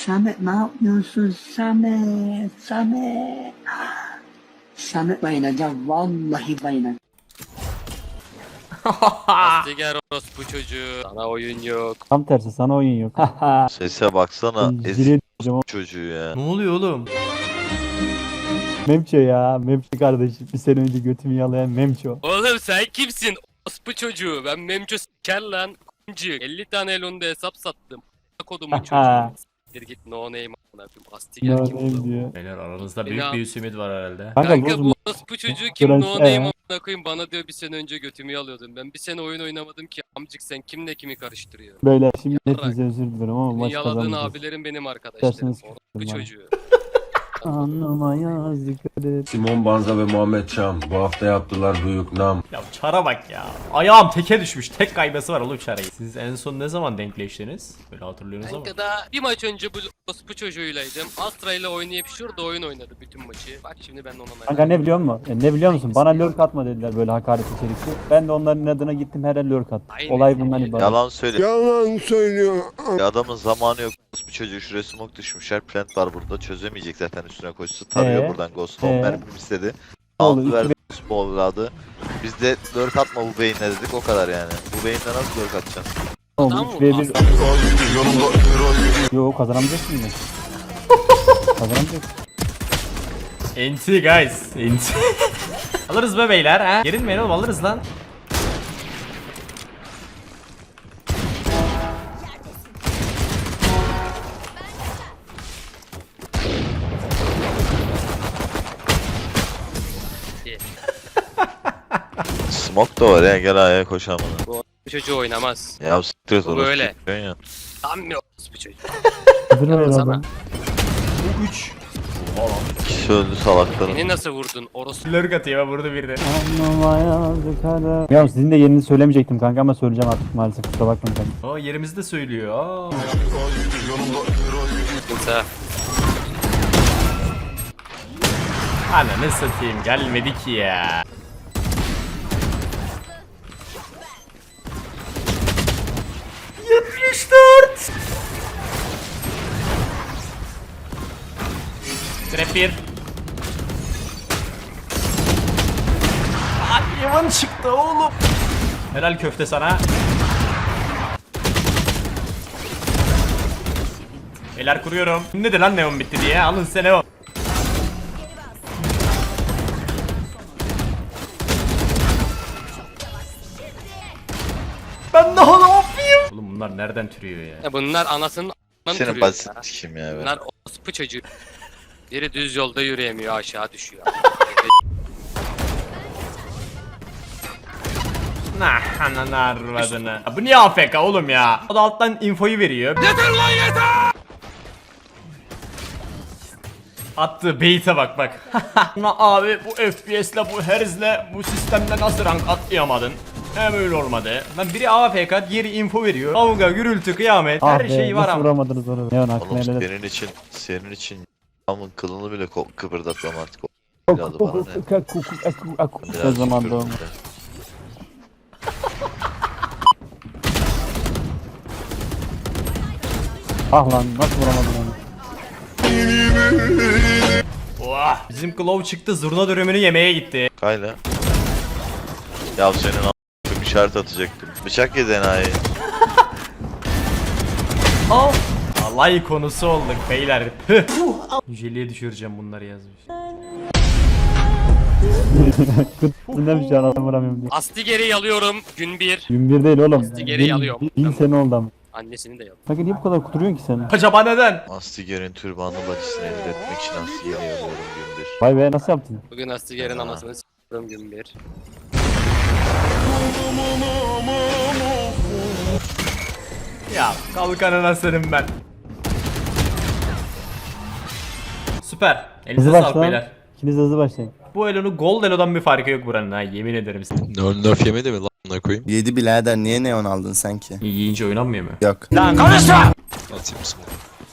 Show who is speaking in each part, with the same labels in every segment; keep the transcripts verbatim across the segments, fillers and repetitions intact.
Speaker 1: Samet ne yapıyorsun Samet? Samet. Samet bayılacağım. Vallahi bayılacağım.
Speaker 2: Astiger orospu çocuğu. Sana oyun yok.
Speaker 3: Tam tersi sana oyun yok.
Speaker 4: Sese baksana.
Speaker 3: Ben
Speaker 4: Ezik
Speaker 3: zile diyeceğim
Speaker 4: çocuğu ya.
Speaker 5: Ne oluyor oğlum?
Speaker 3: Memço ya. Memço kardeşim. Bir sene önce götümü yalayan Memço.
Speaker 2: Oğlum sen kimsin? Orospu çocuğu. Ben Memço s**ker lan. Kuncu. elli tane elonda hesap sattım. Kodumun çocuğu. Siktir git no name amına koyayım. Astiger
Speaker 3: No
Speaker 2: kim
Speaker 3: name
Speaker 2: oğlum?
Speaker 3: diyor.
Speaker 5: Beyler aranızda
Speaker 2: Beni
Speaker 5: büyük
Speaker 2: al.
Speaker 5: bir ümit var herhalde.
Speaker 3: Kanka,
Speaker 2: Kanka
Speaker 3: bozma.
Speaker 2: bu orospu çocuğu kim
Speaker 3: Gören-
Speaker 2: no name
Speaker 3: Ee?
Speaker 2: amına koyayım bana diyor bir sene önce götümü alıyordun. Ben bir sene oyun oynamadım ki amcık sen kimle kimi karıştırıyor.
Speaker 3: Böyle şimdi
Speaker 2: Yaparak.
Speaker 3: hepinize özür dilerim ama
Speaker 2: Senin
Speaker 3: maç
Speaker 2: yaladığın
Speaker 3: kazanmayacağız.
Speaker 2: abilerim benim arkadaşlarım.
Speaker 3: İsterseniz
Speaker 2: Orospu
Speaker 3: bana.
Speaker 2: çocuğu.
Speaker 3: Anlama yazık et.
Speaker 6: Simon Banza ve Muhammed Çam bu hafta yaptılar büyük nam.
Speaker 5: Ya çara bak ya. Ayağım teke düşmüş. Tek kaybesi var oğlum çarayı. Siz en son ne zaman denkleştiniz? Böyle hatırlıyorsunuz ama.
Speaker 2: Kanka daha bir maç önce bu orospu çocuğuylaydım. Astra ile oynayıp şurada oyun oynadı bütün maçı. Bak şimdi ben ona
Speaker 3: Kanka ne biliyor musun? E, ne biliyor musun? Bana lurk atma dediler böyle hakaret içerikli. Ben de onların adına gittim her el lurk attım.
Speaker 2: Aynen.
Speaker 3: Olay bundan ibaret.
Speaker 4: Yalan söyle.
Speaker 6: Yalan söylüyor.
Speaker 4: Adamın zamanı yok. Bu çocuğu şuraya smoke düşmüşler. Plant var burada. Çözemeyecek zaten üstüne koşsa. Tarıyor
Speaker 3: Ee?
Speaker 4: buradan Ghost.
Speaker 3: Ee?
Speaker 4: on mermi istedi.
Speaker 3: Oldu,
Speaker 4: Altı verdi
Speaker 3: iki
Speaker 4: Ghost evladı. Biz de lurk atma bu beyinle dedik o kadar yani. Bu beyinle nasıl lurk atacaksın?
Speaker 3: Oğlum
Speaker 2: Tamam
Speaker 3: üç ve
Speaker 2: mı?
Speaker 3: bir. Yo kazanamayacak mıyım? Kazanamayacak.
Speaker 5: Enti guys. Enti. Alırız be beyler ha. Gerilmeyin oğlum alırız lan.
Speaker 4: Smoke da var ya gel ayağa koşamadı.
Speaker 2: Bu çocuğu oynamaz.
Speaker 4: Ya siktir et
Speaker 2: Bu
Speaker 4: orası.
Speaker 2: böyle.
Speaker 4: Ya.
Speaker 2: Tam bir orospu çocuğu.
Speaker 3: Küfür ver
Speaker 2: Yalnız
Speaker 3: adam.
Speaker 2: ama.
Speaker 5: Bu üç.
Speaker 4: İkisi öldü salakların.
Speaker 2: Beni nasıl vurdun orospu?
Speaker 5: Lurk atıyor vurdu bir de.
Speaker 3: Anlama yazık hadi. Ya sizin de yerini söylemeyecektim kanka ama söyleyeceğim artık maalesef kusura bakmayın kanka.
Speaker 5: Aa yerimizi de söylüyor. Aa.
Speaker 2: Kimse.
Speaker 5: Ananı satayım gelmedi ki ya. yetmiş dört. Trap bir. Hadi yaman çıktı oğlum. Helal köfte sana. Beyler kuruyorum. Ne de lan neon bitti diye. Alın size neon. Ben daha ne yapayım? Oğlum bunlar nereden türüyor ya?
Speaker 2: Ya bunlar anasının a**ından
Speaker 4: Senin
Speaker 2: türüyor
Speaker 4: basit
Speaker 2: ya.
Speaker 4: kim ya be.
Speaker 2: Bunlar orospu çocuğu. Biri düz yolda yürüyemiyor aşağı düşüyor.
Speaker 5: Nah ananı arvadını. Bu niye A F K oğlum ya? O da alttan infoyu veriyor. Yeter lan yeter! Attığı bait'e bak bak. Ama abi bu F P S'le bu herzle bu sistemde nasıl rank atlayamadın? Hem öyle olmadı. Lan biri A F K diğeri info veriyor. Kavga gürültü kıyamet
Speaker 3: Ah
Speaker 5: her
Speaker 3: be,
Speaker 5: şey var
Speaker 3: nasıl
Speaker 5: ama.
Speaker 3: vuramadınız onu? Ne on aklına
Speaker 4: Oğlum
Speaker 3: helal.
Speaker 4: senin için, senin için amın kılını bile ko- kıpırdatmam artık.
Speaker 3: Kuk,
Speaker 4: Biraz
Speaker 3: kuk,
Speaker 4: bana ne?
Speaker 3: kuk, kuk, kuk, kuk, kuk, kuk.
Speaker 4: Biraz
Speaker 3: O zaman
Speaker 4: kıpırdat
Speaker 3: doğum.
Speaker 4: ya.
Speaker 3: Ah lan nasıl vuramadın onu?
Speaker 5: Oha. Bizim Claw çıktı zurna dürümünü yemeye gitti.
Speaker 4: Kayla. Ya senin a**ım işaret atacaktım. Bıçak yedi enayi.
Speaker 5: Al. Alay konusu olduk beyler. Jeliye düşüreceğim bunları yazmış.
Speaker 3: Kutlu'ndan bir şey adam vuramıyorum diye.
Speaker 2: Astiger'i yalıyorum gün bir.
Speaker 3: Gün bir değil oğlum.
Speaker 2: Geri
Speaker 3: Bin-
Speaker 2: alıyorum.
Speaker 3: Bin, bin sene oldu ama.
Speaker 2: Annesini de yalıyorum.
Speaker 3: Kanka niye bu kadar kuduruyorsun ki sen?
Speaker 5: Acaba neden?
Speaker 4: Astiger'in türbanlı bacısını elde etmek için Astiger'i yanıyorum gün bir.
Speaker 3: Vay be nasıl yaptın?
Speaker 2: Bugün Astiger'in anasını s**yorum gün bir.
Speaker 5: Ya kalkanına senin ben. Süper. Elinize
Speaker 3: Hızlı
Speaker 5: sağlık
Speaker 3: başla.
Speaker 5: beyler.
Speaker 3: İkiniz hızlı başlayın.
Speaker 5: Bu Elo'nun Gold Elo'dan bir farkı yok buranın ha yemin ederim size.
Speaker 7: Nerf nerf yemedi mi lan buna koyayım?
Speaker 8: Yedi birader niye neon aldın sen ki?
Speaker 5: Yiyince oynanmıyor mu?
Speaker 8: Yok.
Speaker 5: Lan konuşma!
Speaker 7: Atayım mısın?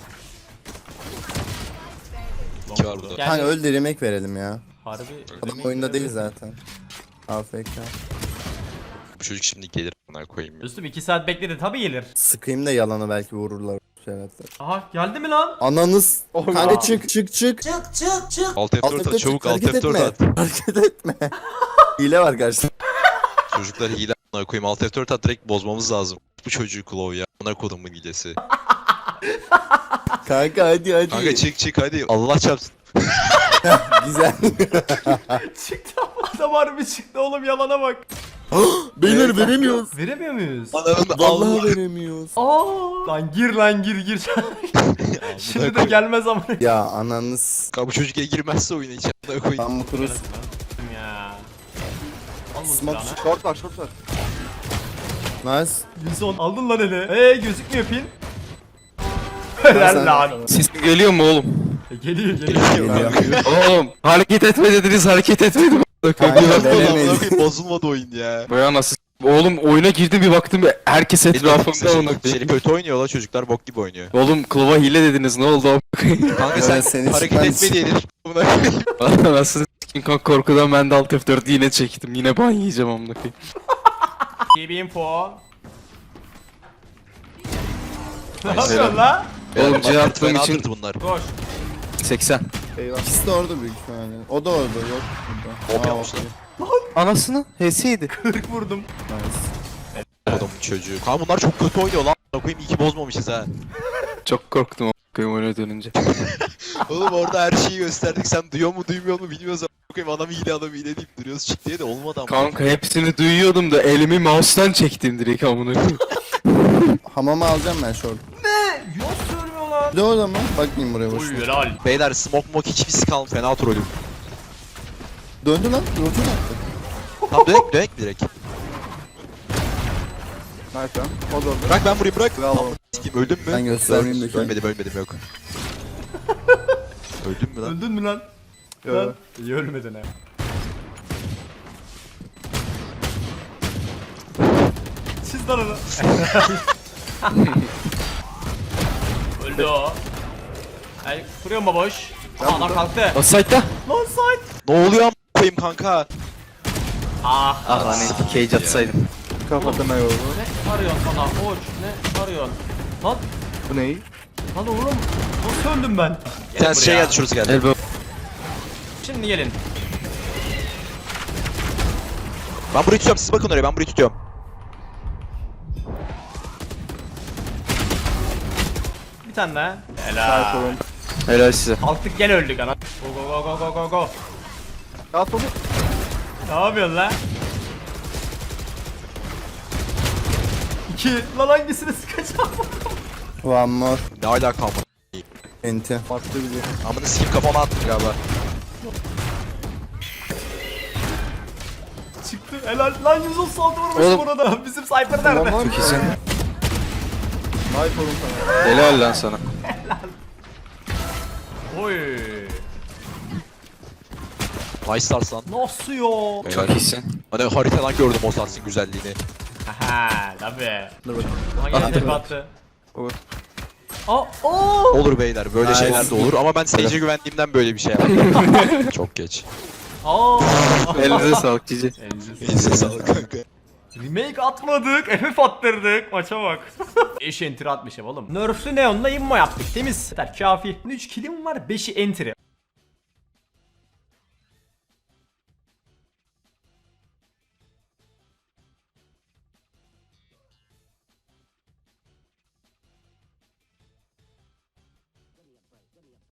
Speaker 7: İki var burada.
Speaker 5: Gel.
Speaker 8: Hani öl de remake verelim ya.
Speaker 5: Harbi.
Speaker 8: Adam oyunda değil zaten. A F K.
Speaker 7: Bu çocuk şimdi gelir buna koyayım.
Speaker 5: Üstüm iki saat bekledi tabi gelir.
Speaker 8: Sıkayım da yalanı belki vururlar. Prevetler.
Speaker 5: Aha geldi mi lan?
Speaker 8: Ananız. Kanka çık çık çık.
Speaker 7: Alt F
Speaker 8: Alt
Speaker 7: dört
Speaker 8: F
Speaker 7: at
Speaker 8: dört
Speaker 7: çabuk
Speaker 8: çık,
Speaker 7: alt
Speaker 8: hareket
Speaker 7: F dört
Speaker 8: etme.
Speaker 7: at.
Speaker 8: Hareket etme. Hile var karşısında.
Speaker 7: Çocuklar hile a**ına koyayım alt F dört at direkt bozmamız lazım. Bu çocuğu Claw ya. Buna kodumun hilesi.
Speaker 8: Kanka hadi hadi.
Speaker 7: Kanka çık çık hadi. Allah çarpsın.
Speaker 8: Güzel.
Speaker 5: Çıktı. Adam harbi çıktı oğlum, yalana bak.
Speaker 8: Beyler veremiyoruz.
Speaker 5: Veremiyor muyuz?
Speaker 7: Ananın
Speaker 8: Vallahi
Speaker 7: Allah.
Speaker 8: veremiyoruz.
Speaker 5: Aa, lan gir lan gir gir. Şimdi de gelmez ama.
Speaker 8: Ya ananız.
Speaker 7: Kanka bu çocuk ya girmezse oyuna hiç a**ına koyayım.
Speaker 8: Tam kuruz.
Speaker 5: Ya. Al bu
Speaker 8: Smoke
Speaker 5: silahını.
Speaker 8: short var short var. Nice.
Speaker 5: Wilson aldın lan ele. Eee gözükmüyor pin. Helal lan.
Speaker 9: Sesim geliyor mu oğlum?
Speaker 5: E, geliyor geliyor.
Speaker 9: Oğlum hareket etme dediniz, hareket etmedim.
Speaker 8: Kanka
Speaker 7: Amına
Speaker 8: veremeyiz.
Speaker 7: koyayım bozulmadı oyun ya.
Speaker 9: Baya nasıl? Oğlum oyuna girdim bir baktım herkes etrafımda ona
Speaker 7: Seni kötü oynuyor la çocuklar bok gibi oynuyor.
Speaker 9: Oğlum klova hile dediniz, ne oldu?
Speaker 7: Kanka sen
Speaker 8: Evet, seni
Speaker 7: hareket
Speaker 8: ben-
Speaker 7: etme diyedir. Amına koyayım.
Speaker 9: Nasıl s**kin kanka, korkudan ben de alt F dört yine çektim. Yine ban yiyeceğim amına koyayım.
Speaker 5: İyi bir info. Ne yapıyorsun la?
Speaker 9: Oğlum C attığım için
Speaker 7: Fenadır bunlar.
Speaker 5: Koş.
Speaker 9: seksen.
Speaker 8: İkisi de orada büyük ihtimalle. O da orada yok. Burada.
Speaker 7: Hop
Speaker 8: Aa,
Speaker 7: yapmışlar.
Speaker 9: Anasını H S'ydi.
Speaker 5: kırk vurdum.
Speaker 8: Nice.
Speaker 7: Adamın çocuğu. Kanka bunlar çok kötü oynuyor lan. Amına koyayım iyi ki bozmamışız ha.
Speaker 9: Çok korktum amına koyayım oyuna dönünce.
Speaker 7: Oğlum orada her şeyi gösterdik. Sen duyuyor mu duymuyor mu bilmiyoruz. Amına koyayım adam hile adam hile deyip duruyoruz çık diye de olmadı ama.
Speaker 9: Kanka hepsini duyuyordum da elimi mouse'tan çektim direkt amına koyayım.
Speaker 8: Hamama alacağım ben short.
Speaker 5: Ne? Yok söylüyor lan.
Speaker 8: Bir de orada mı? Bakmayayım buraya boş.
Speaker 5: Oy helal.
Speaker 7: Beyler smoke mok hiçbir kalmadı. Fena trollüm.
Speaker 8: Döndü lan. Rotu attı.
Speaker 7: Tamam dönek dönek direkt.
Speaker 8: Nice lan. O da orada.
Speaker 7: Bırak ben vurayım bırak.
Speaker 8: Bravo.
Speaker 7: Tamam, sikeyim, öldüm mü?
Speaker 8: Ben göstermeyeyim de.
Speaker 7: Ölmedim ölmedim yok. Öldüm mü lan?
Speaker 5: Öldün mü lan?
Speaker 8: Yo.
Speaker 5: Lan. İyi ölmedin ha. Çiz lan onu. Öldü o. Ay kuruyor mu boş? Aa, adam kalktı.
Speaker 9: O site'da.
Speaker 5: Lan side.
Speaker 7: Ne oluyor am koyayım kanka?
Speaker 5: Ah.
Speaker 9: Ah lan cage atsaydım.
Speaker 8: Kafasına yolu.
Speaker 5: Ne arıyorsun sana koç? Ne arıyorsun? Lan.
Speaker 8: Bu ne?
Speaker 5: Lan oğlum. Nasıl öldüm ben?
Speaker 7: Bir tane şey geldi şurası geldi.
Speaker 9: Elbow.
Speaker 5: Şimdi gelin.
Speaker 7: Ben burayı tutuyorum siz bakın oraya ben burayı tutuyorum.
Speaker 5: Bir tane daha. Helal.
Speaker 9: Helal size.
Speaker 5: Kalktık gene öldük ana. Go go go go go go.
Speaker 8: At onu.
Speaker 5: Ne yapıyorsun lan? İki. Lan hangisini sıkacağım?
Speaker 8: One more.
Speaker 7: Ne alaka amına.
Speaker 8: Enti. Farklı bir şey.
Speaker 7: Amına sikeyim kafama attım galiba.
Speaker 5: Çıktı. Helal. Lan yüz otuz altı vurmuş
Speaker 9: Oğlum.
Speaker 5: burada. Bizim Cypher nerede?
Speaker 9: Çok iyisin.
Speaker 8: Nice oğlum sana.
Speaker 9: Helal lan sana.
Speaker 5: Oy.
Speaker 7: Nice stars lan.
Speaker 5: Nasıl yo?
Speaker 9: Çok iyisin.
Speaker 7: Hani haritadan gördüm o starsın güzelliğini.
Speaker 5: Haha tabi.
Speaker 8: Dur bakayım.
Speaker 5: Hangi tepe attı?
Speaker 8: Olur.
Speaker 5: Aa, oo.
Speaker 7: Olur beyler böyle
Speaker 8: Nice.
Speaker 7: şeyler de olur ama ben Sage'e güvendiğimden böyle bir şey yaptım. Çok geç.
Speaker 5: Aa.
Speaker 9: Elinize sağlık cici.
Speaker 7: Neyse sağlık kanka.
Speaker 5: Remake atmadık, F F attırdık. Maça bak. beş enter atmışım oğlum. Nerf'lü Neon'la immo yaptık. Temiz. Yeter kafi. üç killim var, beşi enter'i.